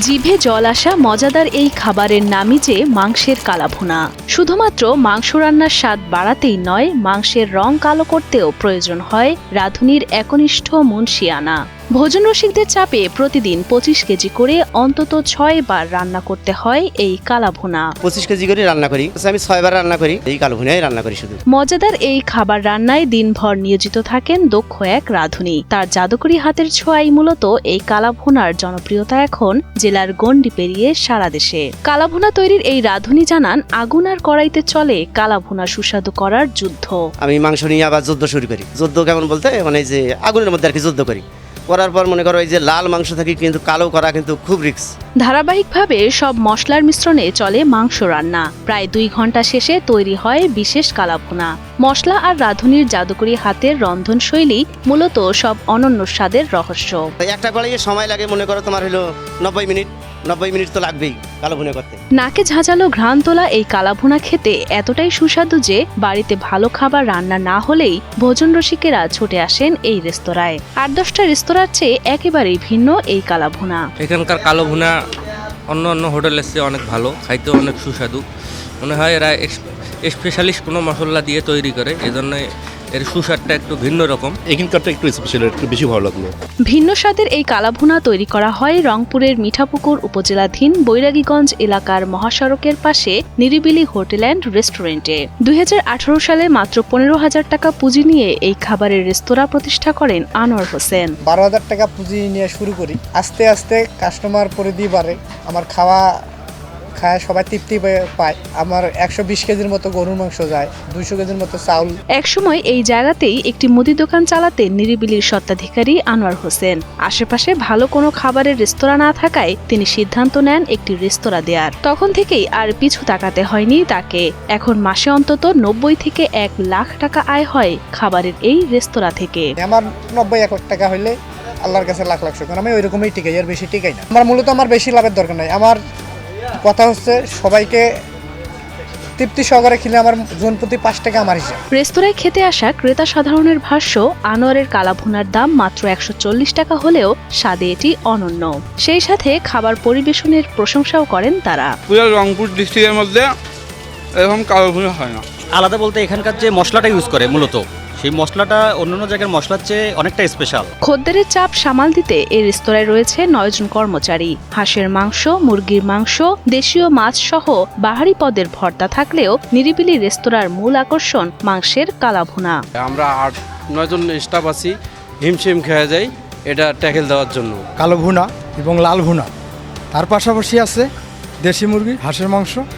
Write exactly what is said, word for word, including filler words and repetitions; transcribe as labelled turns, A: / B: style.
A: জিভে জল আসা মজাদার এই খাবারের নামই যে মাংসের কালাভুনা। শুধুমাত্র মাংস রান্নার স্বাদ বাড়াতেই নয়, মাংসের রং কালো করতেও প্রয়োজন হয় রাঁধুনির একনিষ্ঠ মুনশিয়ানা। ভোজন রসিকদের চাপে প্রতিদিন পঁচিশ কেজি করে অন্তত ছয় বার রান্না করতে হয় এই কালাভুনা।
B: পঁচিশ কেজি করে রান্না করি, আমি ছয় বার রান্না করি, এই কালাভুনাই রান্না করি শুধু।
A: মজাদার এই খাবার রান্নায় দিনভর নিয়োজিত থাকেন দক্ষ এক রাঁধুনি। তার জাদুকরি হাতের ছোঁয়াই মূলত এই কালাভুনার জনপ্রিয়তা এখন জেলার গণ্ডি পেরিয়ে সারা দেশে। কালাভুনা তৈরির এই রাঁধুনি জানান, আগুন আর কড়াইতে চলে কালাভুনা সুস্বাদু করার যুদ্ধ।
B: আমি মাংস নিয়ে আবার যুদ্ধ শুরু করি। যুদ্ধ কেমন বলতে মানে যে আগুনের মধ্যে আর কি যুদ্ধ করি, করার পর মনে করো এই যে লাল মাংস থাকে কিন্তু কালো করা কিন্তু খুব রিস্ক।
A: ধারাবাহিকভাবে সব মশলার মিশ্রণে চলে মাংস রান্না। প্রায় দুই ঘন্টা শেষে তৈরি হয় বিশেষ কালাভুনা। মশলা আর রাঁধুনির জাদুকরি হাতের রন্ধনশৈলী মূলত সব অনন্য স্বাদের রহস্য।
B: একটা কড়াইয়ে সময় লাগে মনে করো তোমার হলো নব্বই মিনিট নব্বই মিনিট তো লাগবেই কালাভুনা করতে।
A: নাকে ঝাঁঝালো ঘ্রাণ তোলা এই কালাভুনা খেতে এতটাই সুস্বাদু যে বাড়িতে ভালো খাবার রান্না না হলেই ভোজন রসিকেরা ছুটে আসেন এই রেস্তোরাঁয়। আট দশটা রেস্তোরাঁর চেয়ে একেবারেই ভিন্ন এই কালাভুনা।
C: এখানকার কালোভুনা অন্য অন্য হোটেলের চেয়ে অনেক ভালো, খাইতে অনেক সুস্বাদু। মনে হয় এরা স্পেশালিস্ট কোনো মশলা দিয়ে তৈরি করে, এজন্য এর সুস্বাদটা একটু ভিন্ন রকম।
D: এখানকারটা একটু স্পেশাল, একটু বেশি ভালো লাগলো।
A: ভিন্ন স্বাদের এই কালাভুনা তৈরি করা হয় রংপুরের মিঠাপুকুর উপজেলাধীন বৈরাগীগঞ্জ এলাকার মহাসড়কের পাশে নিরিবিলি হোটেল অ্যান্ড রেস্টুরেন্টে। দুই হাজার আঠারো সালে মাত্র পনেরো হাজার টাকা পুঁজি নিয়ে এই খাবারের রেস্তোরাঁ প্রতিষ্ঠা করেন আনোয়ার হোসেন।
E: বারো হাজার টাকা পুঁজি নিয়ে শুরু করি, আস্তে আস্তে কাস্টমার পরিধি বাড়ে, আমার খাওয়া খায় সবাই তৃপ্তি পায়। আমার একশো বিশ কেজির মতো গরুর মাংস যায়, দুইশো কেজির মতো চাউল।
A: একসময় এই জায়গাতেই একটি মুদি দোকান চালাতেন নিরিবিলির স্বত্বাধিকারী আনোয়ার হোসেন। আশেপাশে ভালো কোনো খাবারের রেস্তোরাঁ না থাকায় তিনি সিদ্ধান্ত নেন একটি রেস্তোরাঁ দেওয়ার। তখন থেকেই আর পিছু তাকাতে হয়নি তাকে। এখন মাসে অন্তত নব্বই থেকে এক লাখ টাকা আয় হয় খাবারের এই রেস্তোরাঁ থেকে।
E: আমার নব্বই এক লাখ টাকা হইলে আল্লাহর কাছে লাখ লাখ শুকর। আমি ওই রকমই টিকাই, আর বেশি টিকাই না। আমার মূলত আমার বেশি লাভের দরকার নাই। আমার কথা হচ্ছে সবাইকে তৃপ্তি সহকারে খেলে আমার জন প্রতি পাঁচ টাকা আমার হিসাব।
A: রেস্তোরাঁয় খেতে আসা ক্রেতা সাধারণের ভাষ্য, আনোয়ারের কালাভুনার দাম মাত্র একশো চল্লিশ টাকা হলেও স্বাদে এটি অনন্য। সেই সাথে খাবার পরিবেশনের প্রশংসাও করেন তারা।
F: পুরো রংপুর ডিস্ট্রিক্টের মধ্যে এরকম কালাভুনা হয় না।
G: আলাদা বলতে এখানকার যে মশলাটা ইউজ করে মূলত সেই মশলাটা অন্যান্য জায়গার মশলার চেয়ে অনেকটা স্পেশাল।
A: খদ্দেরের চাপ সামাল দিতে এই রেস্তোরাঁয় রয়েছে নয়জন কর্মচারী। হাঁসের মাংস, মুরগির মাংস, দেশীয় মাছ সহ বাহারি পদের ভর্তা থাকলেও নিরিবিলি রেস্তোরাঁর মূল আকর্ষণ মাংসের কালাভুনা।
F: আমরা আট নয়জন স্টাফ আছি, হিমশিম খেয়ে যাই এটা ট্যাকেল দেওয়ার জন্য।
H: কালো ভুনা এবং লাল ভুনা, তার পাশাপাশি আছে দেশি মুরগি, হাঁসের মাংস,